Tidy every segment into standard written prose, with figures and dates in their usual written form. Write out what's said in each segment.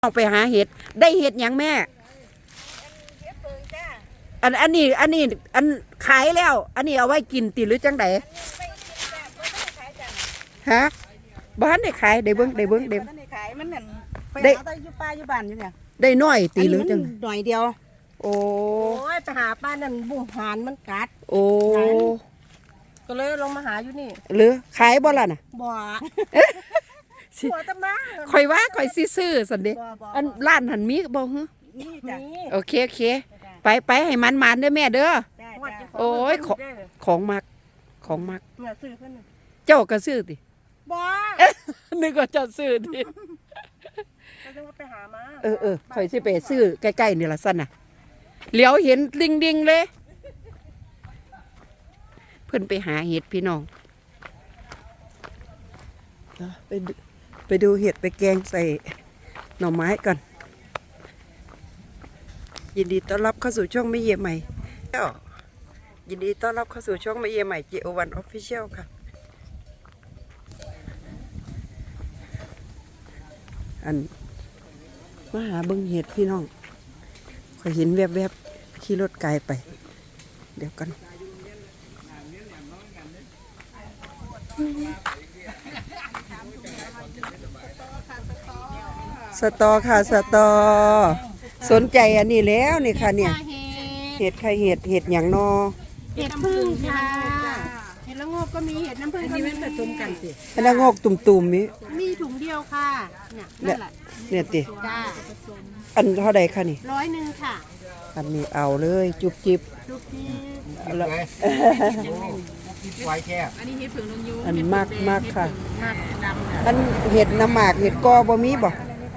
ออกไปหาเห็ดได้เห็ดยังแม่อันนี้อันขายแล้วอันนี้เอาไว้กินติหรือจังไดฮะบ้านได้ขายได้เบิ้งได้ขายมันนั่นไปหาได้อยู่ป้าอยู่บ้านอยู่เนี่ยได้น้อยตีหรือจังหน่อยเดียวโอ้ยไปหาป้านั่นบุหานมันกัดโอ้ก็เลยลงมาหาอยู่นี่หรือขายบ่ล่ะน่ะบ่บ่ตะมาข่อยว่าข่อยซื้อสันเด้อันร้านหันมีบ่ฮึนี่จ้ะโอเคไปให้มันเด้อแม่เด้อโอ้ยของมักเนี่ยซื้อเพิ่นเจ้าก็ซื้อติบ่นึกว่าเจ้าซื้อติก็ต้องไปหามาข่อยสิไปซื้อใกล้ๆนี่ล่ะซั่นน่ะเหลียวเห็นดิ่งๆเลยเพิ่นไปหาเห็ดพี่น้องไปดูเห็ดไปแกงใส่หน่อไม้ก่อนยินดีต้อนรับเข้าสู่ช่องไม่เยี่ยมใหม่ยินดีต้อนรับเข้าสู่ช่องไม่เยี่ยมใหม่ JO1 Official ค่ะอันมาหาเบิ่งเห็ดพี่น้องข่อยเห็นแวบๆขี่รถไกลไปเดี๋ยวกันสตอค่ะสตอสนใจอันนี้แล้วนี่ค่ะเนี่ยเห็ดไข่เห็ดอย่างนอเห็ดพึ่งค่ะเห็ดละโงกก็มีเห็ดน้ำผึ้งก็มีผสมกันสิเห็ดละโงกตุ่มๆนี้มีถุงเดียวค่ะเนี่ยนั่นแหละเนี่ยติจ้าอันเท่าใดคะนี่ 100ค่ะอันนี้เอาเลยจุบจิบแล้วไว้แค่อันนี้เห็ดผึ่งลงยูอันมากค่ะดำอันเห็ดน้ำหมากเห็ดกอบ่มีบ่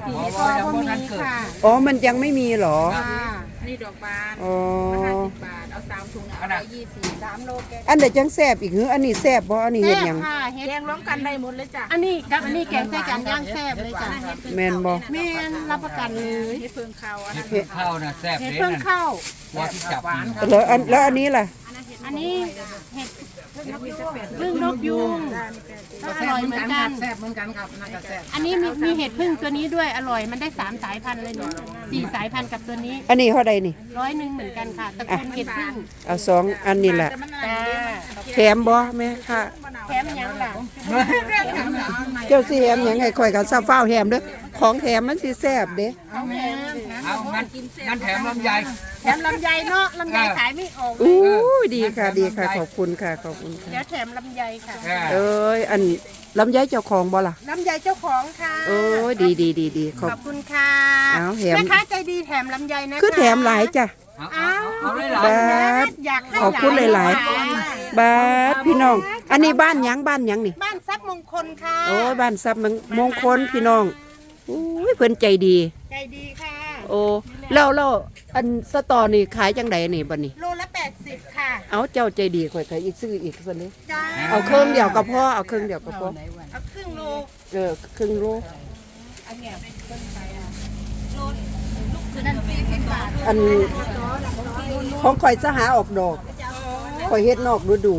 อ๋อมันยังไม่มีหรอนี่ดอกบานอ๋อ 50 บาทเอา3 ถุง120 3 โลแกอันเดี๋ยวจังแซ่บอีกหืออันนี้แซ่บบ่อันนี้เห็ดยังแกงร้องกันได้หมดเลยจ้ะอันนี้กับอันนี้แกงใส่กันย่างแซ่บเลยจ้ะแม่นบ่แม่นรับประกันเลยเห็ดเพิ่งเข้าเห็ดเพิ่งเข้านะแซ่บเลยนะเห็ดเพิ่งเข้าว่าที่จับแล้วอันนี้ล่ะอันนี้เห็ดพึ่งนกยุงอร่อยเหมือนกันแซ่บเหมือนกันครับน่าจะแซ่บอันนี้มีเห็ดพึ่งตัวนี้ด้วยอร่อยมันได้3 สายพันธุ์เลยเนี่ย4 สายพันธุ์กับตัวนี้อันนี้เท่าใดนี่ 100เหมือนกันค่ะตระกูลเห็ดพึ่งเอา2อันนี้แหละแถมบ่แม่ค่ะแถมยังล่ะเจ้าสิแถมยังไงข่อยก็ซาฟ้าวแถมเด้อของแถมมันสิแซ่บเด้เอางั้นแถมลำไยเนาะลำไยขายไม่ออกอู้ดีค่ะขอบคุณค่ะเดี๋ยวแถมลำไยค่ะเอ้ยอันลำไยเจ้าของบ่ล่ะลำไยเจ้าของค่ะโอ้ยดีขอบคุณค่ะแถมแม่ค้าใจดีแถมลำไยนะคือแถมหลายจ้ะเอาบาสขอบคุณหลายบาสพี่น้องอันนี้บ้านยังนี่บ้านทรัพย์มงคลค่ะโอ้ยบ้านทรัพย์มงคลพี่น้องอุ้ยเพิ่นใจดีค่ะโอ้แล้วอันสตอนี่ขายจังไดนี่บัดนี้โลละ80ค่ะเอาเจ้าใจดีข่อยขายอีกซื้ออีกซั่นนี้จ้าเอาเครื่องเดียวก็พอเอาครึ่งโลครึ่งโลอันเนี้ยเพิ่นไปโลลูกคือนั่น40 บาทอันของข่อยจะหาออกดอกข่อยเฮ็ดนอกฤดู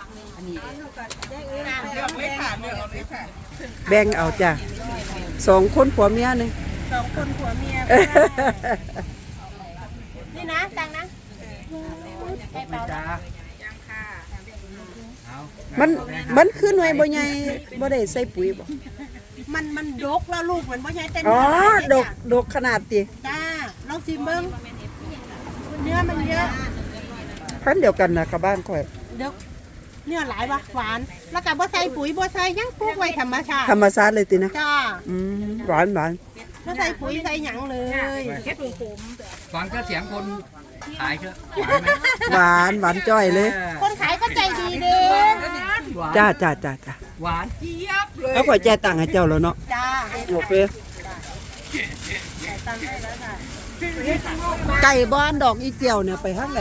แบ่งเอาจ้ะ2 คนผัวเมียนึง 2 คนผัวเมียนี่นะตังนะให้เปล่ายังค่ะมันขึ้นไว้บ่ใหญ่บ่ได้ใส่ปุ๋ยบ่มันดกแล้วลูกมันบ่ใหญ่แต่อ๋อดกขนาดติจ้าลองชิมเบิ่งเนื้อมันเยอะพันเดียวกันนะกับบ้านข่อยเนื้อหลายวะหวานแล้วก็บ่ใส่ปุ๋ยบ่ใส่ยังปลูกไว้ธรรมชาติเลยตินะจ้าหวานบ่ใส่ปุ๋ยใส่หยังเลยแค่ปุ๋ยผมฟังก็เสียงคนขายเถอะหวานจ้อยเลยคนขายก็ใจดีเด้จ้าหวานเจี๊ยบเลยแล้วข่อยจ่ายตังค์ให้เจ้าแล้วเนาะจ้าโอเคไก่บ้านดอกอีเจียวเนี่ยไปทางไหน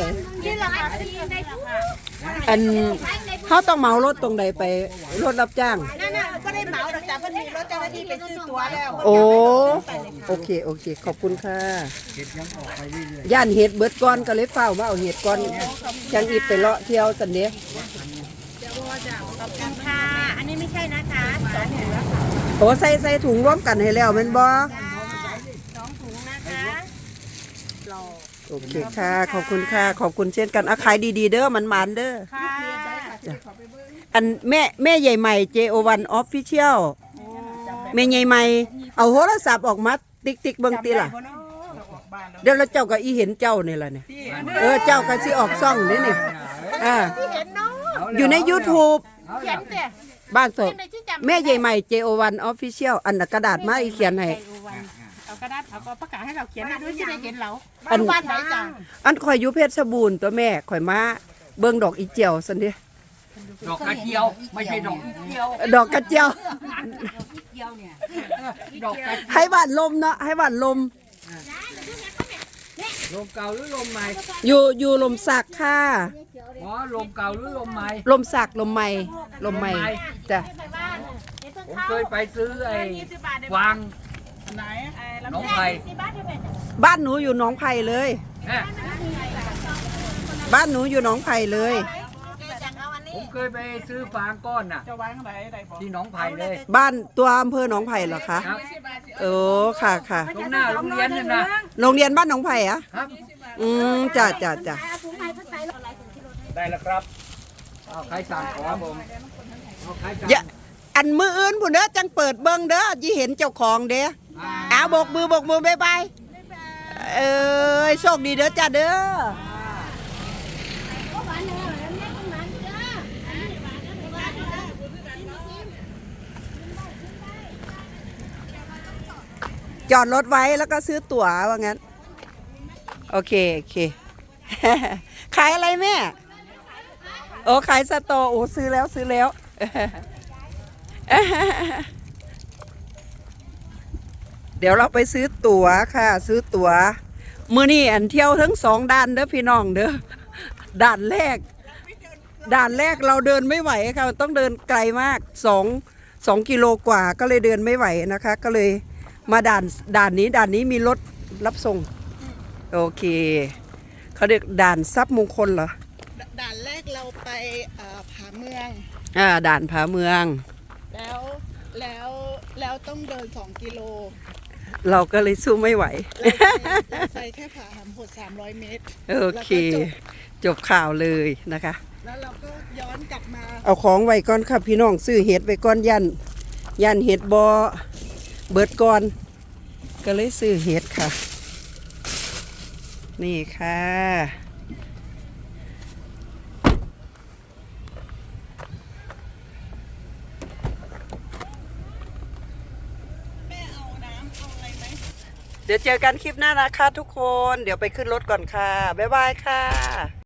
อันเขาต้องเหมารถตรงใดไปรถรับจ้างนั่นก็ได้เหมาดอกจ้าเพิ่นมีรถเจ้าหน้าที่ไปซื้อตั๋วแล้วโอเคขอบคุณค่ะย่านเห็ดเบิดก้อนก็เลยเฝ้าว่าเอาเห็ดก้อนจังอีไปเลาะเที่ยวสันเนี้ยขอบคุณค่ะอันนี้ไม่ใช่นะคะ2 ถุงโอ้ใส่ถุงร่วมกันให้แล้วแม่นบ่ 2 ถุงนะคะโอเคค่ะ ขอบคุณค่ะ ขอบคุณเช่นกันอาขายดีๆเด้อมันมันๆเด้อค่ะอันแม่ใหญ่ใหม่ JO1 Official แม่ใหญ่ใหม่เอาโทรศัพท์ออกมาติ๊กๆเบิ่งติล่ะ เดี๋ยวเราเจ้าก็อีเห็นเจ้านี่ล่ะเนี่ยเจ้าก็สิออกซ่องนี่นี่เห็นเนาะอยู่ใน YouTube เขียนแต่บ้านสดในที่จำแม่ใหญ่ใหม่ JO1 Official อันน่ะกระดาษมาอีเขียนให้เอากระดาษเอาประกาศให้เราเขียนให้ด้วยที่ได้เห็นเราอันบ้านไหนจ้ะอันข่อยอยู่เพชรบูรณ์ตัวแม่ข่อยมาเบิ่งดอกอีเจียวซั่นดิดอกกระเจียวไม่ใช่ดอกอีเจียวดอกกระเจียวดอกกระให้บ้านลมเนาะให้บ้านลมลมเก่าหรือลมใหม่อยู่ลมสักค่ะอ๋อลมเก่าหรือลมใหม่ลมสักลมใหม่ลมใหม่จ้ะผมเคยไปซื้อไอ้วางน้องไผ่บ้านหนูอยู่หนองไผ่เลยเนี่ยบ้านหนูอยู่หนองไผ่เลยผมเคยไปซื้อฟางก้อนน่ะที่หนองไผ่เลยบ้านตัวอำเภอหนองไผ่เหรอคะครับโอ้ค่ะค่ะตรงหน้าโรงเรียนนี่นะโรงเรียนบ้านหนองไผ่อะครับจ้ะได้แล้วครับเอาใครสั่งขอผมเอาใครสั่งอย่าอันมืออื่นผู้เด้อจังเปิดเบิ่งเด้อยี่เห็นเจ้าของเด้อเอาบกมือบายบายโชคดีเด้อจ้าเด้อจอดรถไว้แล้วก็ซื้อตั๋วว่างั้นโอเค ขายอะไรแม่โอ้ขายสตอโอ้ซื้อแล้วเดี๋ยวเราไปซื้อตั๋วค่ะซื้อตั๋วมื้อนี้อันเที่ยวทั้ง2ด้านเด้อพี่น้องเด้อด่านแรกเราเดินไม่ไหวค่ะต้องเดินไกลมาก2กิโลกว่าก็เลยเดินไม่ไหวนะคะก็เลยมาด่านนี้มีรถรับส่งโอเคเขาเรียกด่านทรัพย์มงคลเหรอด่านแรกเราไปผาเมืองด่านผาเมืองแล้วต้องเดิน2 กิโลเราก็เลยสู้ไม่ไหวเราไปแค่ผาหำโหด300 เมตรโอเค จบข่าวเลยนะคะแล้วเราก็ย้อนกลับมาเอาของไว้ก่อนค่ะพี่น้องซื้อเห็ดไว้ก่อนยันเห็ดบอเบิดก่อนก็เลยซื้อเห็ดค่ะ นี่ค่ะเดี๋ยวเจอกันคลิปหน้านะคะทุกคน เดี๋ยวไปขึ้นรถก่อนค่ะ บ๊ายบายค่ะ